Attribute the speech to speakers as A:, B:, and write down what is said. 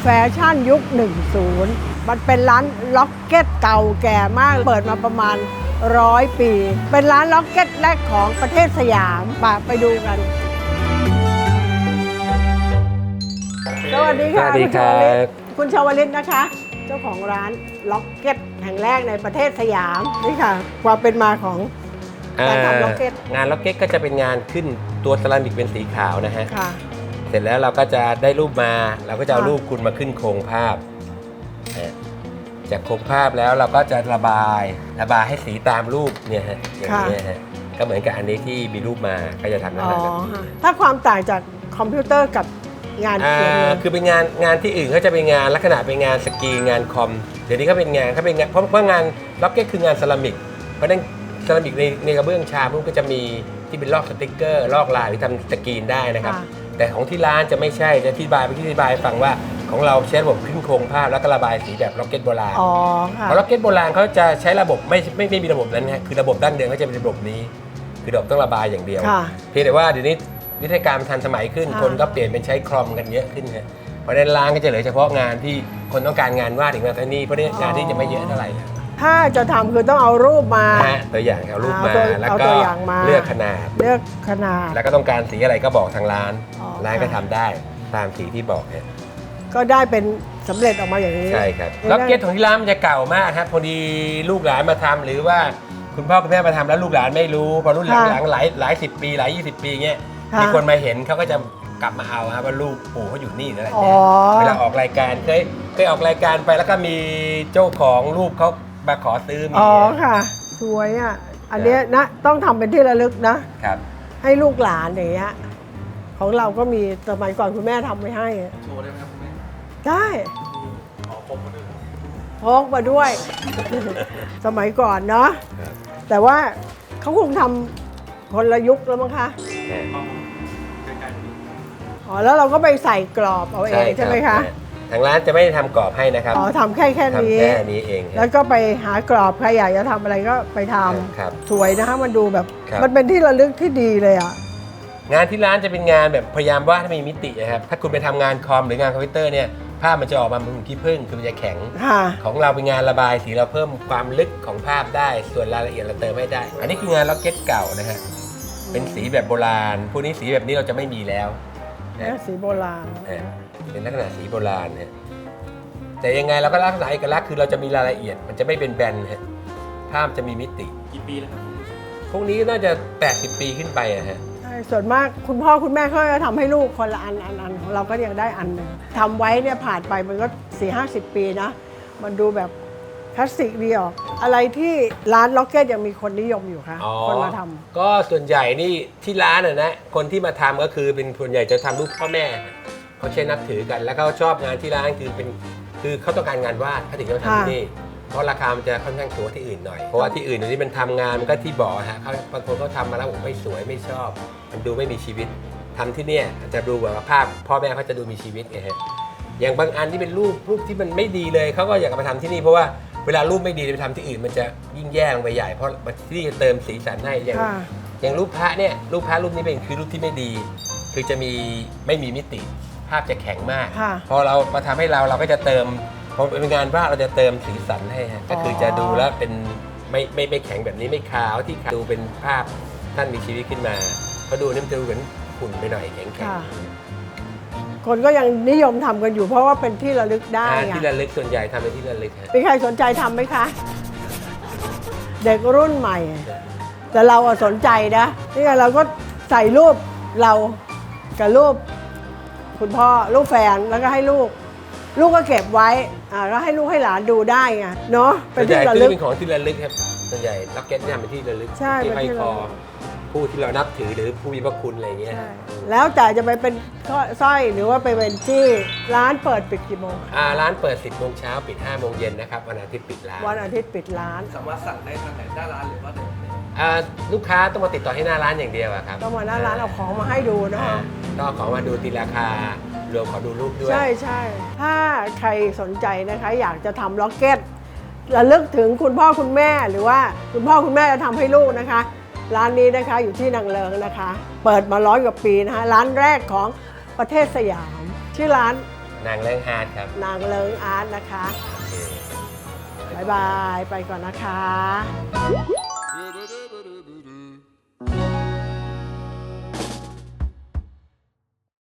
A: แฟชั่นยุค 10 มันเป็นร้านล็อกเก็ตเก่าแก่มาก เปิดมาประมาณ100 ปี เป็นร้านล็อกเก็ตแรกของประเทศสยามไปดูกัน สวัสดีค่ะ คุณชวลิตนะคะ เจ้าของร้านล็อกเก็ตแห่งแรกในประเทศสยามนี่ค่ะความเป็นมาของการทำล็อกเก็ต
B: งานล็อกเก็ตก็จะเป็นงานขึ้นตัวเซรามิกเป็นสีขาวนะฮะ
A: ค่ะ
B: เสร็จแล้วเราก็จะได้รูปมาเราก็จะเอารูปคุณมาขึ้นโครงภาพจากโครงภาพแล้วเราก็จะระบายให้สีตามรูปเนี่ยฮะอย่างนี้ฮะก็เหมือนกับอันนี้ที่มีรูปมาก็จะทำลักษณะแบบนี้
A: ถ้าความต่างจากคอมพิวเตอร์กับงานเขียน
B: คือเป็นงานที่อื่นเขาจะเป็นงานลักษณะเป็นงานสกรีนงานคอมเดี๋ยวนี้เขาเป็นงานเพราะงานล็อกเก็ตคืองานเซรามิกเพราะนั้นเซรามิกในกระเบื้องชาพวกก็จะมีที่เป็นลอกสติ๊กเกอร์ลอกลายหรือทำสกรีนได้นะครับแต่ของที่ร้านจะไม่ใช่จะอธิบายฟังว่าของเราใช้ระบบขึ้นโครงภาพแล้วก็ระบายสีแบบล็อกเก็ตโบราณเพราะล็อกเก็ตโบราณเขาจะใช้ระบบไม่มีระบบนั้นนะคือระบบดั้งเดิมเขาจะเป็นระบบนี้คือระบบต้องระบายอย่างเดียวเพียงแต่ว่าเดี๋ยวนี้วิธีการทันสมัยขึ้นคนก็เปลี่ยนเป็นใช้คอมกันเยอะขึ้นครับเพราะฉะนั้นร้านก็จะเหลือเฉพาะงานที่คนต้องการงานวาดถึงมาเท่านี้เพราะงานที่จะไม่เยอะเท่าไหร่
A: ถ้าจะทำคือต้องเอารูปมา
B: ตัวอย่างเอารูปมาแล้วก็เลือกขนาดแล้วก็ต้องการสีอะไรก็บอกทางร้านก็ทำได้ตามสีที่บอกเนี่ย
A: ก็ได้เป็นสำเร็จออกมาอย่างนี้
B: ใช่ครับล็อกเก็ตของที่ร้านมันจะเก่ามากครับพอดีลูกหลานมาทำหรือว่าคุณพ่อคุณแม่มาทำแล้วลูกหลานไม่รู้พอรุ่นหลังหลาย10 ปีหลาย20 ปีเงี้ยมีคนมาเห็นเขาก็จะกลับมาเอาครับว่าลูกปู่เขาอยู่นี่อะไรเนี่ยเวลาออกรายการเคยออกรายการไปแล้วก็มีเจ้าของรูปเขามาขอซื้อมี
A: ค่ะสวยอ่ะอันนี้นะต้องทำเป็นที่ระลึกนะครับให้ลูกหลานอย่างเงี้ยของเราก็มีสมัยก่อนคุณแม่ทำไว้ให้
C: โชว์ได้ไหมครับคุณแม่
A: ได้
C: พกมาด้วย
A: พกมาด้วยสมัยก่อนเนาะแต่ว่าเขาคงทำคนละยุคแล้วมั้งคะแล้วเราก็ไปใส่กรอบเอาเองใช่ไหมคะ
B: ทางร้านจะไม่ได้ทำกรอบให้นะครับ
A: ทำแค่นี้
B: เอง
A: แล้วก็ไปหากรอบใครอยากจะทำอะไรก็ไปทำสวยนะคะมันดูแบบมันเป็นที่ระลึกที่ดีเลยอ่ะ
B: งานที่ร้านจะเป็นงานแบบพยายามวาดให้มีมิตินะครับถ้าคุณไปทำงานคอมหรืองานคอมพิวเตอร์เนี่ยภาพมันจะออกมาเหมือนขี้ผึ้งคือมันจะแข็งของเราเป็นงานระบายสีเราเพิ่มความลึกของภาพได้ส่วนรายละเอียดเราเติมไม่ได้อันนี้คืองานล็อกเก็ตเก่านะฮะเป็นสีแบบโบราณพวกนี้สีแบบนี้เราจะไม่มีแล้ว
A: สีโบราณ
B: เป็นลักษณะสีโบราณเนี่ยแต่ยังไงเราก็รักษาเอกลักษณ์คือเราจะมีรายละเอียดมันจะไม่เป็นแบนฮะภาพจะมีมิติ
C: กี่ปีแล้วครับ
B: พวกนี้น่าจะ80 ปีขึ้นไปอะฮะ
A: ใช่ส่วนมากคุณพ่อคุณแม่เขาจะทำให้ลูกคนละอันของเราก็ยังได้อันหนึ่งทำไว้เนี่ยผ่านไปมันก็ 40-50 ปีนะมันดูแบบคลาสสิกดีออกอะไรที่ร้านล็อกเก็ตยังมีคนนิยมอยู่คะคนมาทำ
B: ก็ส่วนใหญ่นี่ที่ร้านนะคนที่มาทำก็คือเป็นส่วนใหญ่จะทำรูปพ่อแม่เขาใช้นับถือกันแล้วเขาชอบงานที่ร้านคือเขาต้องการงานวาดเขาถึงจะทำที่นี่เพราะราคามันจะค่อนข้างสูงที่อื่นหน่อยเพราะว่าที่อื่นที่มันทำงานมันก็ที่บอกฮะเขาบางคนเขาทำมาแล้วผมไม่สวยไม่ชอบมันดูไม่มีชีวิตทำที่เนี่ยจะดูแบบว่าภาพพ่อแม่เขาจะดูมีชีวิตไงฮะอย่างบางอันที่เป็นรูปที่มันไม่ดีเลยเขาก็อยากมาทำที่นี่เพราะว่าเวลารูปไม่ดีไปทำที่อื่นมันจะยิ่งแย่ลงไปใหญ่เพราะที่นี่จะเติมสีสันให้อย่างรูปพระเนี่ยรูปนี้เป็นคือรูปที่ไม่ดีคือจะไม่มีมิติภาพจะแข็งมากพอเรามาทำให้เราก็จะเติมพอเป็นงานวาดเราจะเติมสีสันให้ก็คือจะดูแล้วเป็นไม่แข็งแบบนี้ไม่ขาวที่ดูเป็นภาพท่านมีชีวิตขึ้นมาพอดูนี่มันจะดูเหมือนหุ่นไปหน่อยแข็ง
A: คนก็ยังนิยมทำกันอยู่เพราะว่าเป็นที่ระลึกได้
B: ที่ระลึกส่วนใหญ่ทำเป็นที่ระลึก
A: มีใครสนใจทำไหมคะเด็กรุ่นใหม่แต่เราสนใจนะนี่ไงเราก็ใส่รูปเรากับรูปคุณพ่อรูปแฟนแล้วก็ให้ลูกก็เก็บไว้ก็ให้ลูกให้หลานดูได้ไงเนาะ
B: เป็นที่ระลึกเป็นของที่ระลึกครับส่วนใหญ่ล็อกเก็ตเนี่ยเป็นที่ระลึกที่ห้อยคอผู้ที่เรานับถือหรือผู้มีพระคุณอะไรเงี้ย
A: แล้วแต่จะไปเป็นสร้อยหรือว่าไปเป็นจี้ร้านเปิดปิดกี่โมง
B: ร้านเปิด 10 โมงเช้าปิด 5 โมงเย็นนะครับวันอาทิตย์ปิดร้าน
A: วันอาทิตย์ปิดร้าน
C: สามารถสั่งได้ทางไหนหน้าร้านหรือว่า
B: ลูกค้าต้องมาติดต่อให้หน้าร้านอย่างเดียวครับ
A: ต้องมาหน้าร้านเอาของมาให้ดูนะ
B: ต้องเอาของมาดูตีราคารวมขอดูรูปด้วย
A: ใช่ถ้าใครสนใจนะคะอยากจะทำล็อกเก็ตระลึกถึงคุณพ่อคุณแม่หรือว่าคุณพ่อคุณแม่จะทำให้ลูกนะคะร้านนี้นะคะอยู่ที่นางเลิงนะคะเปิดมา100 กว่าปีนะคะร้านแรกของประเทศสยามชื่อร้าน
B: นางเรื่องอาร์ตครับ
A: นางเลิงอาร์ตนะคะ
B: โอเค
A: บ๊ายบาย ไปก่อนนะคะ